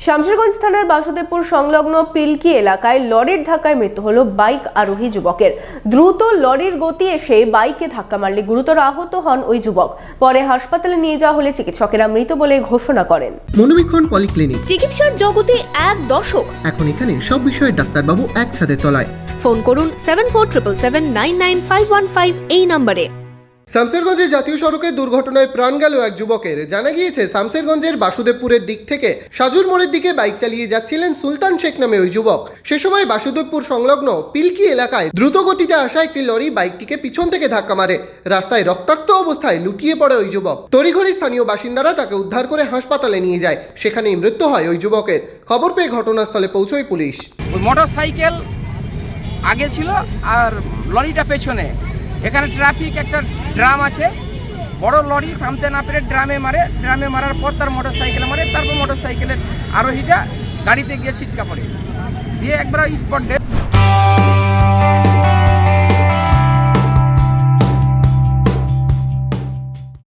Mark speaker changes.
Speaker 1: শামশেরগঞ্জ থানার বাসুদেবপুর সংলগ্ন পিলকি এলাকায় লরির ধাক্কায় মৃত্যু হলো বাইক আরোহী যুবকের। দ্রুত লরির গতি এসে বাইকে ধাক্কা মারলে গুরুতর আহত হন ওই যুবক। পরে হাসপাতালে নিয়ে যাওয়া হলে চিকিৎসকেরা মৃত বলে ঘোষণা করেন।
Speaker 2: মনোবীক্ষণ পলিক্লিনিক,
Speaker 3: চিকিৎসার জগতে এক দশক।
Speaker 2: এখন এখানে সব বিষয়ে ডাক্তারবাবু একসাথে তলায়।
Speaker 3: ফোন করুন 7477799515 এই নম্বরে।
Speaker 2: শামশেরগঞ্জের জাতীয় সড়কে দুর্ঘটনায় প্রাণ গেল এক যুবকের। জানা গিয়েছে, শামশেরগঞ্জের বাসুদেবপুরের দিক থেকে সাজুর মোড়ের দিকে বাইক চালিয়ে যাচ্ছিলেন সুলতান শেখ নামে ওই যুবক। সে সময় বাসুদেবপুর সংলগ্ন পিলকি এলাকায় দ্রুত গতিতে আসা একটি লরি বাইকটিকে পিছন থেকে ধাক্কা মারে। রাস্তায় রক্তাক্ত অবস্থায় লুটিয়ে পড়ে ওই যুবক। তড়িঘড়ি স্থানীয় বাসিন্দারা তাকে উদ্ধার করে হাসপাতালে নিয়ে যায়। সেখানেই মৃত্যু হয় ওই যুবকের। খবর পেয়ে ঘটনাস্থলে পৌঁছয় পুলিশ।
Speaker 4: মোটর সাইকেল আগে ছিল আর লরিটা পেছনে। এখানে ট্রাফিক একটা ড্রাম আছে, বড় লরি থামতে না পেরে ড্রামে মারার পর তার মোটর সাইকেলে মারে। তারপর মোটর সাইকেলের আরোহীটা গাড়িতে গিয়ে ছিটকা পড়ে, দিয়ে একবার স্পট ডেথ